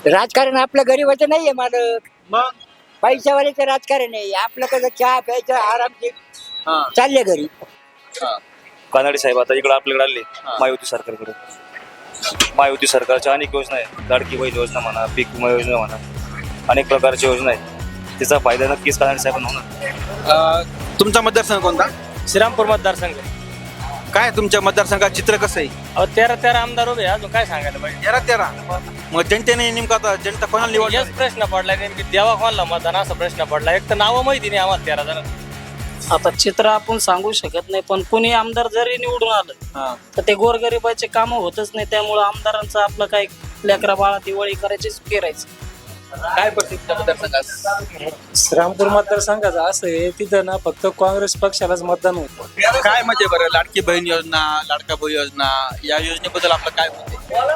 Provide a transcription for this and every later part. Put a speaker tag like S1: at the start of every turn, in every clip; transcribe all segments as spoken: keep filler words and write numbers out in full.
S1: राजकारण आपलं गरीबाचं नाहीये मालक,
S2: मग
S1: पैशावाल्याचं राजकारण आहे. आपलं कसं चहा प्यायचं आरामशीर
S2: हा
S1: चालले घरी.
S2: हा
S3: कानडे साहेब आता इकडे आपल्याकडे आले
S2: हा.
S3: महायुती सरकारकडे. महायुती सरकारच्या अनेक योजना आहेत. लाडकी बहीण योजना म्हणा, पीक विमा योजना म्हणा, अनेक प्रकारच्या योजना आहेत. त्याचा फायदा नक्कीच कानडे साहेबांना होणार.
S2: अं, तुमचा मतदारसंघ कोणता?
S4: श्रीरामपूर मतदारसंघ.
S2: काय तुमच्या मतदारसंघात चित्र कसं आहे?
S4: अहो तेरा तेरा आमदार उभे आहे, अजून काय सांगायला पाहिजे.
S2: तेरा तेरा मग जनतेने नेमका आता जनता कोणाला निवडली?
S4: हेच प्रश्न पडलाय नेमकी देवा कोणला मतदान असा प्रश्न पडला. एक तर नावं माहिती नाही आम्हाला तेरा जण.
S5: आता चित्र आपण सांगू शकत नाही, पण कुणी आमदार जरी निवडून आलं
S2: हा.
S5: तर ते गोरगरिबाचे कामं होतच नाही. त्यामुळे आमदारांचं आपलं काही लेकरा बाळा दिवाळी करायचीच फिरायचं.
S2: काय परिस्थिती मतदारसंघात?
S6: श्रीरामपूर मतदारसंघाचं असं आहे, तिथं ना फक्त काँग्रेस पक्षालाच मतदान होतं.
S2: काय म्हणजे बरं लाडकी बहीण योजना, लाडका भाऊ योजना या योजनेबद्दल आपलं काय मत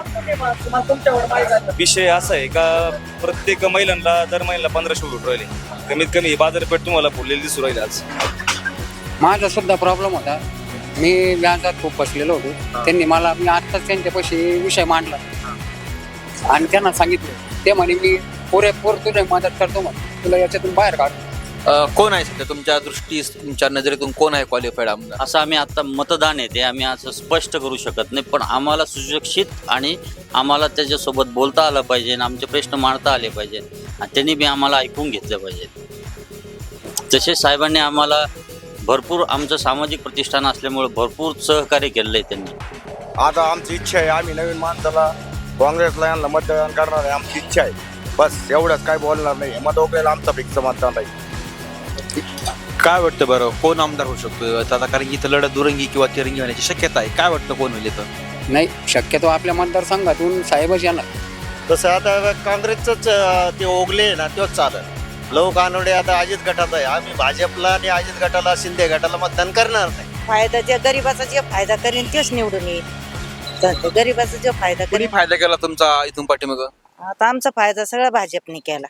S2: आहे?
S3: विषय असा आहे का प्रत्येक महिलांना दर महिन्याला पंधराशे रुपये राहिले. कमीत कमी ही बाजारपेठ तुम्हाला फुललेली दिसू राहिली आज.
S7: माझा सुद्धा प्रॉब्लेम होता. मी व्याजात खूप बसलेलो होतो. त्यांनी मला मी आत्ताच त्यांच्यापाशी विषय मांडला आणि त्यांना सांगितलं. ते म्हणे मी पुरेपूर तुझे मदत करतो, म्हणे तुला याच्यातून बाहेर काढ.
S2: अं, कोण आहे सध्या तुमच्या दृष्टी तुमच्या नजरेतून कोण आहे क्वालिफाईड आमदार?
S8: असं आम्ही आता मतदान आहे ते आम्ही असं स्पष्ट करू शकत नाही, पण आम्हाला सुशिक्षित आणि आम्हाला त्याच्यासोबत बोलता आलं पाहिजे आणि आमचे प्रश्न मांडता आले पाहिजे आणि त्यांनी बी आम्हाला ऐकून घेतलं पाहिजे. तसेच साहेबांनी आम्हाला भरपूर आमचं सामाजिक प्रतिष्ठान असल्यामुळे भरपूर सहकार्य केलेलं आहे त्यांनी.
S9: आता आमची इच्छा आहे, आम्ही नवीन माणसाला काँग्रेसला यांना मतदान करणार आहे. आमची इच्छा आहे, बस एवढंच, काय बोलणार नाही. मत वगैरे आमचा फिक्स मतदान राहील.
S2: काय वाटतं बरं कोण आमदार होऊ शकतो आता? कारण की इथं लढत दुरंगी किंवा तिरंगी होण्याची शक्यता आहे. काय वाटतं कोण होईल इथं?
S7: नाही, शक्यतो आपल्या मतदारसंघातून साहेबच येणार.
S9: तसं आता काँग्रेसच ते ओगले ना तेच चालत. लव कानोडे आता अजित गटात आहे. आम्ही भाजपला आणि अजित गटाला, शिंदे गटाला मतदान करणार नाही.
S10: फायदा जे गरीबाचा जे फायदा करेन तेच निवडून येईल. तर गरीबाचा जो फायदा
S2: कोणी
S10: करेन.
S2: फायदा केला तुमचा इथून पाठीमाग?
S10: आता आमचा फायदा सगळा भाजपने केला.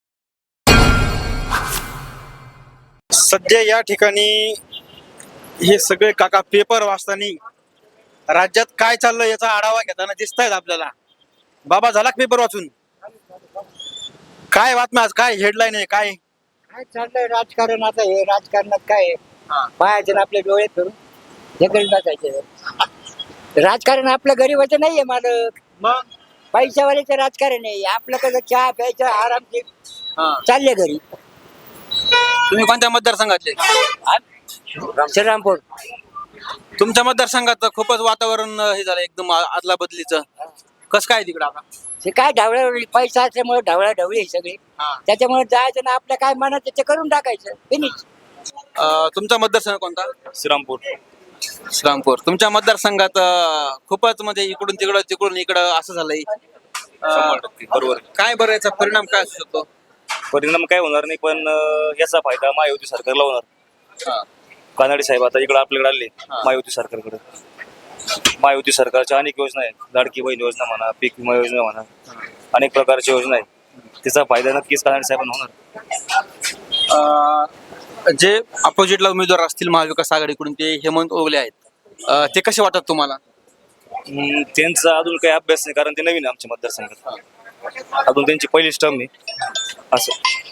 S2: सध्या या ठिकाणी हे सगळे काका पेपर वाचताना राज्यात काय चाललंय याचा आढावा घेताना दिसत आहेत आपल्याला. बाबा झाला का पेपर वाचून? काय बातम्या आज, काय हेडलाईन आहे, काय
S1: काय चाललंय राजकारण? आता हे राजकारणात काय आहे? पाहायचं ना आपले डोळे फिरून जगल टाकायचे. राजकारण आपलं गरीबाचं नाहीये मालक,
S2: मग
S1: पैशावाल्याचं राजकारण आहे. आपलं कसं चहा प्यायचं आरामशीर चालले घरी.
S2: तुम्ही कोणत्या मतदारसंघातले?
S1: श्रीरामपूर.
S2: तुमच्या मतदारसंघात खूपच वातावरण हे झालं एकदम आदला बदलीचं. कसं काय तिकडं आता?
S1: हे काय ढवळा पैसा असल्यामुळे ढवळा ढवळी आहे सगळी. त्याच्यामुळे जायचं ना आपल्या काय मनात ते करून टाकायचं. फिनिश.
S2: अं, तुमचा मतदारसंघ कोणता?
S3: श्रीरामपूर.
S2: श्रीरामपूर. तुमच्या मतदारसंघात अं, खूपच म्हणजे इकडून तिकडं तिकडून इकडं असं झालंय.
S3: शंभर टक्के बरोबर.
S2: काय बरं याचा परिणाम काय असू शकतो?
S3: परिणाम काय होणार नाही, पण अं, याचा फायदा महायुती सरकारला होणार. कानडे साहेब आता इकडे आपल्याकडे आले महायुती सरकारकडे. महायुती सरकारच्या अनेक योजना आहेत. लाडकी बहीण योजना म्हणा, पीक विमा योजना म्हणा, अनेक प्रकारच्या योजना आहेत. त्याचा फायदा नक्कीच कानडे साहेबांना होणार.
S2: अं, जे अपोजिटला उमेदवार असतील महाविकास आघाडीकडून ते हेमंत ओगले आहेत, अं, ते कसे वाटतात तुम्हाला?
S3: हम्म, त्यांचा अजून काही अभ्यास नाही, कारण ते नवीन आहे आमच्या मतदारसंघात. अजून त्यांची पहिलीच टर्म आहे असं.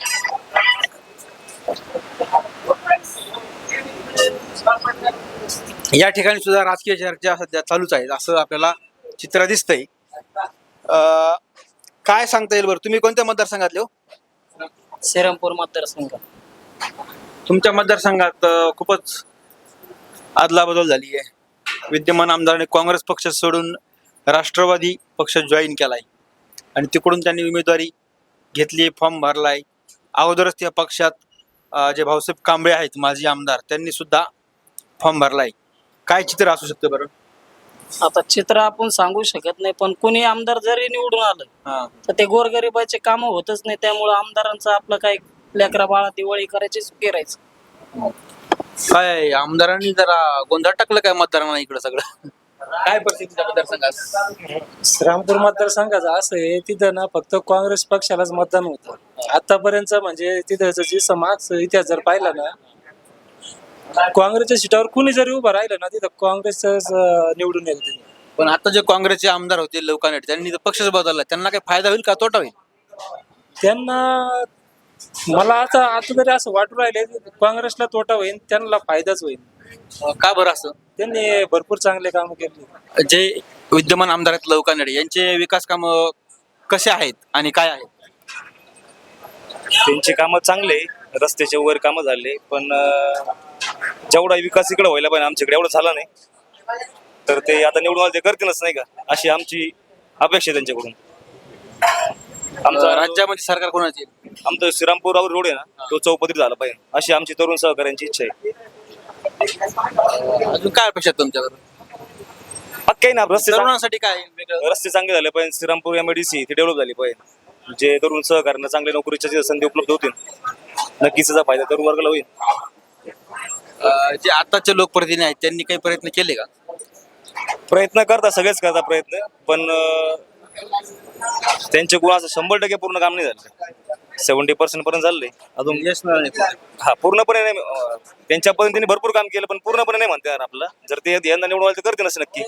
S2: या ठिकाणी सुद्धा राजकीय चर्चा सध्या चालूच आहेत असं आपल्याला चित्र दिसतंय. अं, काय सांगता येईल बरं? तुम्ही कोणत्या मतदारसंघातले हो?
S5: श्रीरामपूर मतदारसंघ.
S2: तुमच्या मतदारसंघात अं, खूपच अदलाबदल झाली आहे. विद्यमान आमदाराने काँग्रेस पक्ष सोडून राष्ट्रवादी पक्ष जॉईन केलाय आणि तिकडून त्यांनी उमेदवारी घेतली, फॉर्म भरलाय. अगोदरच त्या पक्षात अं, जे भाऊसाहेब कांबळे आहेत माजी आमदार, त्यांनी सुद्धा फॉर्म भरलाय. काय चित्र असू शकतं बरं?
S5: आता चित्र आपण सांगू शकत नाही, पण कुणी आमदार जरी निवडून आलं तर ते गोरगरिबाचे कामं होतच नाही. त्यामुळे आमदारांचं आपलं काही लेकरा बाळा दिवाळी करायचीच फिरायचं.
S2: काय आमदारांनी जरा गोंधळ टाकलं काय मतदारांना इकडं सगळं? काय परिस्थिती मतदारसंघात?
S6: श्रीरामपूर मतदारसंघाचं असं आहे, तिथं ना फक्त काँग्रेस पक्षालाच मतदान होतं आतापर्यंत. म्हणजे तिथं जी समाज इतिहास जर पाहिला ना, काँग्रेसच्या सीटावर कुणी जरी उभं राहिलं ना तिथं काँग्रेसच निवडून येईल.
S2: पण आता जे काँग्रेसचे आमदार होते लोकांनी त्यांनी जर पक्षच बदलला त्यांना काही फायदा होईल का तोटा होईल?
S6: त्यांना मला आता आता तरी असं वाटू राहिले काँग्रेसला तोटा होईल, त्यांना फायदाच होईल.
S2: अं, का बरं असं?
S6: त्यांनी भरपूर चांगले काम केले.
S2: जे विद्यमान आमदार आहेत लवकानडे यांचे विकास काम कसे आहेत आणि काय आहेत?
S3: त्यांची कामं चांगले, रस्त्याचे वगैरे कामं झाले, पण अं, जेवढा विकास इकडे व्हायला पाहिजे आमच्याकडे एवढा झाला नाही. तर ते आता निवडून आले ते करतीलच नाही का, अशी आमची अपेक्षा आहे त्यांच्याकडून. आमचा
S2: अं, राज्यामध्ये सरकार कोणाचे?
S3: आमचं श्रीरामपूर रोड आहे ना, तो चौपदरी झाला पाहिजे अशी आमची तरुण सहकाऱ्यांची इच्छा आहे.
S2: अजून काय अपेक्षा आहेत तुमच्याकडून?
S3: काही ना रस्ते चांग-
S2: तरुणांसाठी काय वेगळं?
S3: रस्ते चांगले झाले पाहिजे. श्रीरामपूर एमआयडीसी ती डेव्हलप झाली पाहिजे. जे तरुण सहकार्यांना चांगल्या नोकरीच्या जे संधी उपलब्ध होतील, नक्कीच त्याचा फायदा तरुण वर्गाला होईल.
S2: अं, जे आताचे लोकप्रतिनिधी आहेत त्यांनी काही प्रयत्न केले का?
S3: प्रयत्न करता सगळेच करता प्रयत्न, पण अं, त्यांचे गुण असं शंभर टक्के पूर्ण काम नाही झालं. सेव्हन्टी पर्सेंट पर्यंत झालंय अजून.
S2: यश मिळालं नाही.
S3: हा पूर्णपणे नाही. अं, त्यांच्या पद्धतीने भरपूर काम केलं, पण पूर्णपणे नाही म्हणते यार आपलं. जर ते यंदा निवडून आले तर करते नसं नक्की.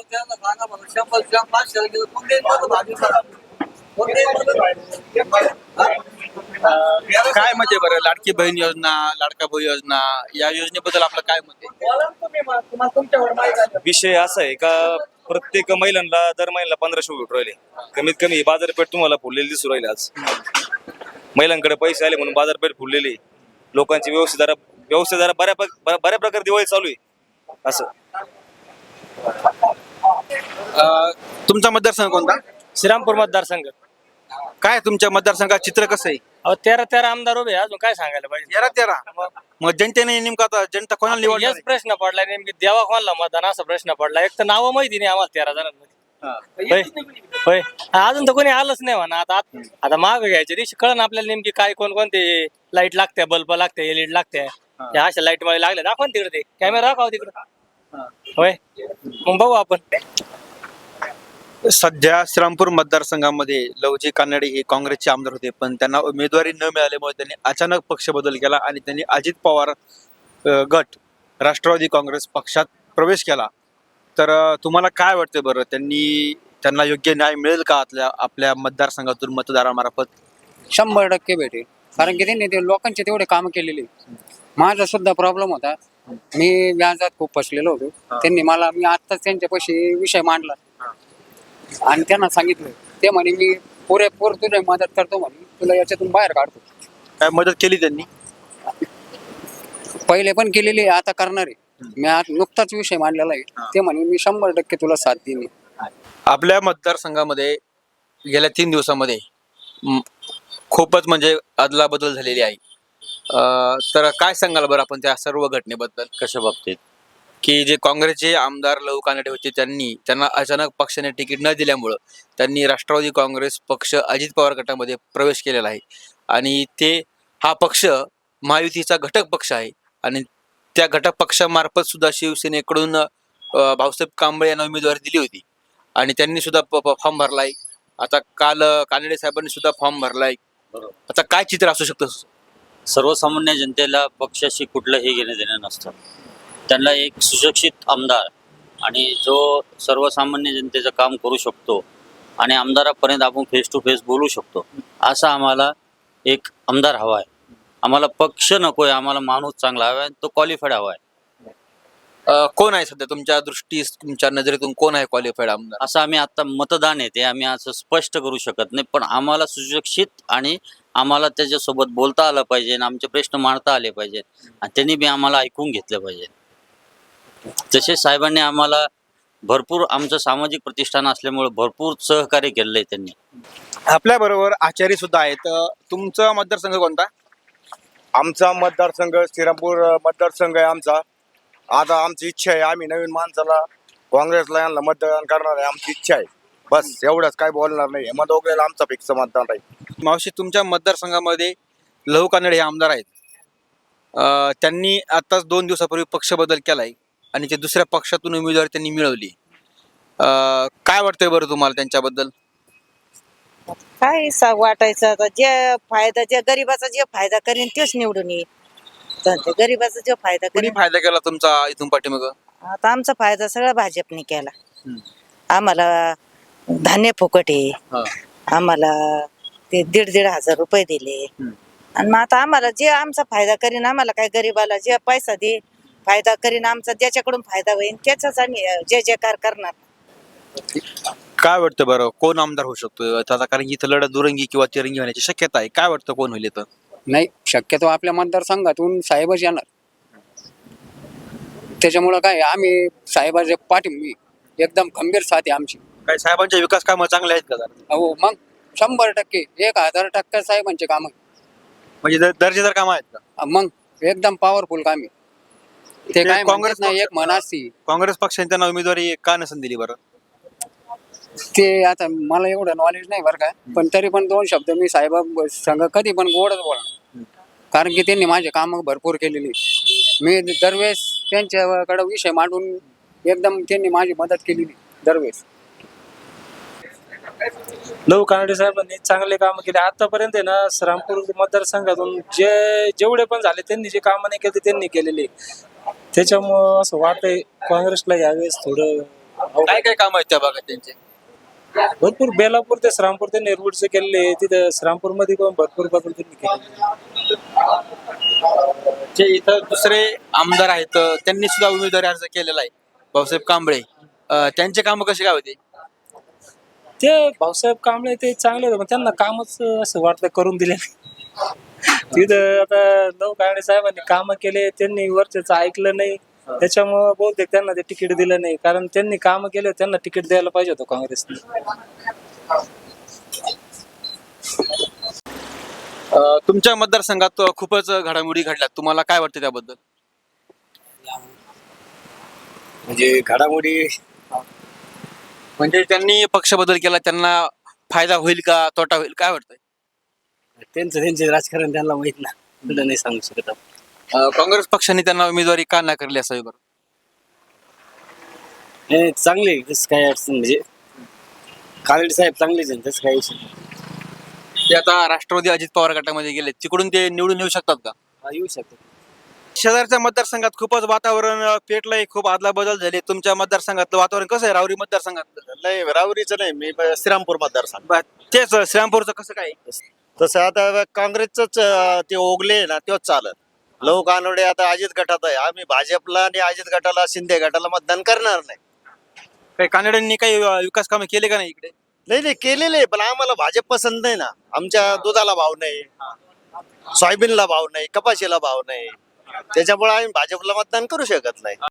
S2: काय मत आहे बरं? लाडकी बहीण योजना, लाडका भाऊ योजना या योजनेबद्दल आपलं काय मत आहे?
S3: विषय असा आहे का, प्रत्येक महिलांना दर महिन्याला पंधराशे भेटू राहिले. कमीत कमी बाजारपेठ तुम्हाला फुललेली दिसू राहिली. आज महिलांकडे पैसे आले म्हणून बाजारपेठ फुललेली. लोकांची व्यवस्थित जरा व्यवस्थित जरा बऱ्या बऱ्या बऱ्या प्रकारे दिवाळी चालू आहे असं.
S2: अं, तुमचा मतदारसंघ कोणता?
S4: श्रीरामपूर मतदारसंघ.
S2: काय तुमच्या मतदारसंघात चित्र कसं आहे?
S4: अहो तेरा तेरा आमदार उभे आहे, अजून काय सांगायला पाहिजे?
S2: तेरा तेरा मग जनतेने नेमका आता जनता कोणाला निवडणार
S4: हेच प्रश्न पडलाय नेमकी, देवा कोणाला मतदान असा प्रश्न पडला. एक तर नावं माहिती नाही आम्हाला तेरा जणांमध्ये. होय होय अजून तर कोणी आलंच नाही म्हणा. आता आता माग घ्यायच्या दिवशी कळण आपल्याला नेमकी काय कोण कोणते लाईट लागते, बल्ब लागते, एलईडी लागते. त्या अशा लाईट मध्ये लागले दाखवा ना तिकडे, ते कॅमेरा दाखवा तिकडे. होय मग बघू आपण.
S2: सध्या श्रीरामपूर मतदारसंघामध्ये लवजी कानडे हे काँग्रेसचे आमदार होते, पण त्यांना उमेदवारी न मिळाल्यामुळे त्यांनी अचानक पक्ष बदल केला आणि त्यांनी अजित पवार अ, गट राष्ट्रवादी काँग्रेस पक्षात प्रवेश केला. तर अ, तुम्हाला काय वाटतं बरं, त्यांनी त्यांना योग्य न्याय मिळेल का आपल्या आपल्या मतदारसंघातून मतदारामार्फत?
S7: शंभर टक्के भेटेल, कारण की त्यांनी ते लोकांचे तेवढे काम केलेले. माझा सुद्धा प्रॉब्लेम होता, मी व्याजात खूप फसलेलो होतो. त्यांनी मला मी आत्ताच त्यांच्यापाशी विषय मांडला आणि त्यांना सांगितलं, ते म्हणे मी पुरेपूर तुझी मदत करतो, म्हणे तुला याच्यातून बाहेर काढतो.
S2: काय मदत केली त्यांनी?
S7: पहिले पण केलेली आहे, आता करणार आहे. मी आज नुकताच विषय मांडलेला आहे. ते म्हणे मी शंभर टक्के तुला साथ देईन.
S2: आपल्या मतदारसंघामध्ये गेल्या तीन दिवसामध्ये म, खूपच म्हणजे अदलाबदल झालेली आहे. अ, तर काय सांगाल बरं आपण त्या सर्व घटनेबद्दल?
S8: कशा बाबतीत?
S2: की जे काँग्रेसचे आमदार लहू कानडे होते त्यांनी त्यांना अचानक पक्षाने तिकीट न दिल्यामुळं त्यांनी राष्ट्रवादी काँग्रेस पक्ष अजित पवार गटामध्ये प्रवेश केलेला आहे आणि ते हा पक्ष महायुतीचा घटक पक्ष आहे आणि त्या घटक पक्षामार्फत सुद्धा शिवसेनेकडून अ, भाऊसाहेब कांबळे यांना उमेदवारी दिली होती आणि त्यांनी सुद्धा फॉर्म भरलाय. आता काल अ, कानडे साहेबांनी सुद्धा फॉर्म भरलाय. आता काय चित्र असू शकतं?
S8: सर्वसामान्य जनतेला पक्षाशी कुठलंही घेणं देणं नसतं. त्यांना एक सुशिक्षित आमदार आणि जो सर्वसामान्य जनतेचं काम करू शकतो आणि आमदारापर्यंत आपण फेस टू फेस बोलू शकतो, असा आम्हाला एक आमदार हवा आहे. आम्हाला पक्ष नको आहे, आम्हाला माणूस चांगला हवा आहे, तो क्वालिफाईड हवा आहे.
S2: अ, कोण आहे सध्या तुमच्या दृष्टीस तुमच्या नजरेतून कोण आहे क्वालिफाईड आमदार?
S8: असं आम्ही आता मतदान येते आम्ही असं स्पष्ट करू शकत नाही, पण आम्हाला सुशिक्षित आणि आम्हाला त्याच्यासोबत बोलता आलं पाहिजे आणि आमचे प्रश्न मांडता आले पाहिजेत आणि त्यांनी बी आम्हाला ऐकून घेतलं पाहिजे. तसेच साहेबांनी आम्हाला भरपूर, आमचं सामाजिक प्रतिष्ठान असल्यामुळे भरपूर सहकार्य केलेलं आहे त्यांनी.
S2: आपल्या बरोबर आचार्य सुद्धा आहेत. अ, तुमचा मतदारसंघ कोणता?
S11: आमचा मतदारसंघ श्रीरामपूर मतदारसंघ आहे आमचा. आता आमची इच्छा आहे, आम्ही नवीन माणसाला काँग्रेसला यांना मतदान करणार आहे, आमची इच्छा आहे. बस एवढंच, काय बोलणार नाही. मत वगैरे आमचा फिक्स मतदान आहे.
S2: मावशी, तुमच्या मतदारसंघामध्ये लहू कानडे हे आमदार आहेत. अ, त्यांनी आताच दोन दिवसापूर्वी पक्ष बदल केलाय आणि ते दुसऱ्या पक्षातून उमेदवारी त्यांनी मिळवली. अ, काय वाटतंय बरं तुम्हाला त्यांच्याबद्दल?
S10: काय सा वाटायचं आता, जे फायदा जे गरीबाचा जे फायदा करीन तेच निवडून येईल. तर ते गरीबाचा जे फायदा
S2: कोणी
S10: करीन,
S2: फायदा केला तुमचा इथून पाठीमागं?
S10: आता आमचा फायदा सगळा भाजपने केला. आम्हाला धान्य फुकट आहे
S2: हा.
S10: आम्हाला ते दीड दीड हजार रुपये दिले आणि मग आता आम्हाला जे आमचा फायदा करीन आम्हाला काय गरीबाला जे पैसा दे फायदा करीन आमचा ज्याच्याकडून फायदा होईल त्याचाच आम्ही अं, जय जयकार करणार.
S2: काय वाटतं बरं कोण आमदार होऊ शकतो आता, कारण की इथं लढत दुरंगी किंवा तिरंगी होण्याची शक्यता आहे. काय वाटतं कोण होईल इथं?
S7: नाही, शक्यतो आपल्या मतदारसंघातून साहेबच येणार. त्याच्यामुळं काय आम्ही साहेबाचे पाठी एकदम खंबीर साथ आहे आमची.
S2: काय साहेबांचे विकास कामं चांगले आहेत का जरा?
S7: हो मग शंभर टक्के एक हजार टक्के साहेबांचे काम
S2: म्हणजे दर- दर्जेदार कामं आहेत का?
S7: मग एकदम पॉवरफुल काम आहे. ते काय
S2: काँग्रेस
S7: काँग्रेस नाही एक म्हण असती
S2: काँग्रेस पक्षाने त्यांना उमेदवारी का नसेल दिली बरं?
S7: ते आता मला एवढं नॉलेज नाही बरं का, पण तरी पण दोन शब्द मी साहेबा संघ कधी पण गोडच बोलणार, कारण की त्यांनी माझे काम भरपूर केलेली. मी दरवेळेस त्यांच्याकडे विषय मांडून एकदम त्यांनी माझी मदत केलेली दरवेळेस.
S6: लव कानडे साहेबांनी चांगले काम केले आतापर्यंत आहे ना. श्रीरामपूर मतदारसंघातून जे जेवढे पण झाले त्यांनी जे कामं नाही केले त्यांनी केलेले. त्याच्यामुळं असं वाटतंय काँग्रेसला यावेळेस थोडं
S2: काय काय काम आहेत त्या भागात त्यांचे?
S6: भरपूर बेलापूर ते श्रीरामपूर त्यांनी रोडचे केलेले. तिथं श्रीरामपूर मध्ये पण भरपूर बदल त्यांनी केले.
S2: जे इथं दुसरे आमदार आहेत त्यांनी सुद्धा उमेदवारी अर्ज केलेला आहे, भाऊसाहेब कांबळे. अं, त्यांचे कामं कसे काय होते?
S6: ते भाऊसाहेब कांबळे ते चांगले होते पण त्यांना कामच असं वाटलं करून दिले नाही. तिथं आता लव कानडे साहेबांनी काम केले त्यांनी वरच्याच ऐकलं नाही त्याच्यामुळं बहुतेक त्यांना ते तिकीट दिलं नाही, कारण त्यांनी काम केले त्यांना तिकीट द्यायला पाहिजे होतं काँग्रेसने.
S2: अं, तुमच्या मतदारसंघात खूपच घडामोडी घडल्यात, तुम्हाला काय वाटतं त्याबद्दल?
S9: म्हणजे घडामोडी
S2: म्हणजे त्यांनी पक्ष बदल केला, त्यांना फायदा होईल का तोटा होईल, काय वाटतंय?
S1: त्यांचं त्यांचे राजकारण त्यांना माहित ना, पुढं नाही सांगू शकत आपण.
S2: अं, काँग्रेस पक्षाने त्यांना उमेदवारी का नाकारली असावी बरं?
S1: हे चांगले आहे, तसं काय अडचण म्हणजे कानडे साहेब चांगलेच आहे, तसं काही विषय नाही.
S2: ते आता राष्ट्रवादी अजित पवार गटामध्ये गेले, तिकडून ते निवडून येऊ शकतात का?
S1: हा, येऊ शकतो.
S2: शेजारच्या मतदारसंघात खूपच वातावरण अं, पेटलंय, खूप आदला बदल झाले. तुमच्या मतदारसंघातलं वातावरण कसं आहे, रावरी मतदारसंघातलं?
S9: नाही रावरीचं नाही, मी ब- श्रीरामपूर मतदारसंघ.
S2: बरं, तेच श्रीरामपूरचं कसं काय?
S9: तसं आता काँग्रेसच ते ओगले ना तेच चालत. लव कानडे आता अजित गटात आहे. आम्ही भाजपला आणि अजित गटाला शिंदे गटाला मतदान करणार नाही.
S2: काही कानड्यांनी काही अं, विकास कामं केले का नाही इकडे?
S9: नाही नाही केलेले, पण आम्हाला भाजप पसंत नाही ना. आमच्या दुधाला भाव नाही, सोयाबीनला भाव नाही, कपाशीला भाव नाही, त्याच्यामुळे आम्ही भाजपला मतदान करू शकत नाही.